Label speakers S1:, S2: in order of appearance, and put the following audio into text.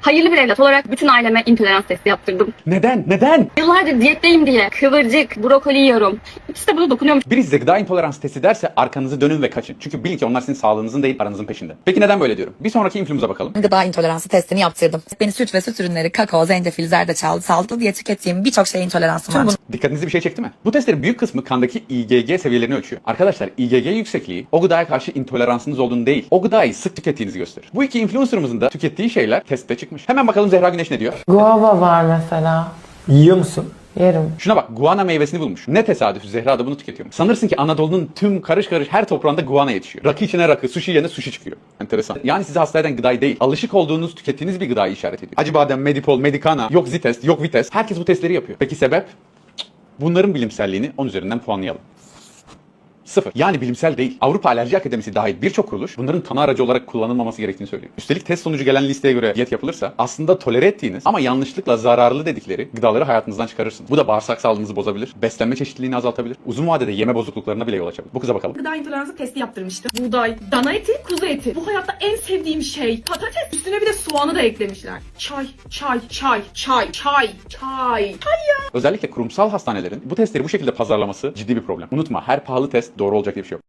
S1: Hayırlı bir evlat olarak bütün aileme intolerans testi yaptırdım.
S2: Neden? Neden?
S1: Yıllardır diyetteyim diye kıvırcık, brokoli yiyorum. İkisi de buna dokunuyormuş.
S2: Biri size gıda intolerans testi derse arkanızı dönün ve kaçın. Çünkü bilin ki onlar sizin sağlığınızın değil paranızın peşinde. Peki neden böyle diyorum? Bir sonraki influ'muza bakalım.
S3: Gıda intoleransı testini yaptırdım. Beni süt ve süt ürünleri, kakao, zencefil, zerdeçal, sağlıklı diye tükettiğim birçok şeye intoleransım var.
S2: Dikkatinizi bir şey çekti mi? Bu testlerin büyük kısmı kandaki IgG seviyelerini ölçüyor. Arkadaşlar IgG yüksekliği o gıdaya karşı intoleransınız olduğunu değil, o gıdayı sık tükettiğinizi gösterir. Bu iki influencer'ımızın da tükettiği şeyler testte çıkmış. Hemen bakalım Zehra Güneş ne diyor?
S4: Guava var mesela.
S5: Yiyor musun?
S4: Yerim.
S2: Şuna bak, guana meyvesini bulmuş. Ne tesadüf, Zehra da bunu tüketiyormuş. Sanırsın ki Anadolu'nun tüm karış karış her toprağında guana yetişiyor. Rakı içine rakı, sushi yerine sushi çıkıyor. Enteresan. Yani sizi hasta eden gıdayı değil, alışık olduğunuz, tükettiğiniz bir gıdayı işaret ediyor. Acıbadem, Medipol, Medicana, yok Zitest, yok Vites. Herkes bu testleri yapıyor. Peki sebep? Bunların bilimselliğini 10 üzerinden puanlayalım. 0. Yani bilimsel değil. Avrupa Alerji Akademisi dahil birçok kuruluş bunların tanı aracı olarak kullanılmaması gerektiğini söylüyor. Üstelik test sonucu gelen listeye göre diyet yapılırsa aslında tolere ettiğiniz ama yanlışlıkla zararlı dedikleri gıdaları hayatınızdan çıkarırsınız. Bu da bağırsak sağlığınızı bozabilir, beslenme çeşitliliğini azaltabilir, uzun vadede yeme bozukluklarına bile yol açabilir. Bu kıza bakalım.
S6: Gıda intoleransı testi yaptırmıştım. Buğday, dana eti, kuzu eti. Bu hayatta en sevdiğim şey. Patates. Üstüne bir de soğanı da eklemişler. Çay, çay, çay, çay, çay, çay. Çay ya.
S2: Özellikle kurumsal hastanelerin bu testleri bu şekilde pazarlaması ciddi bir problem. Unutma, her pahalı test doğru olacak diye bir şey yok.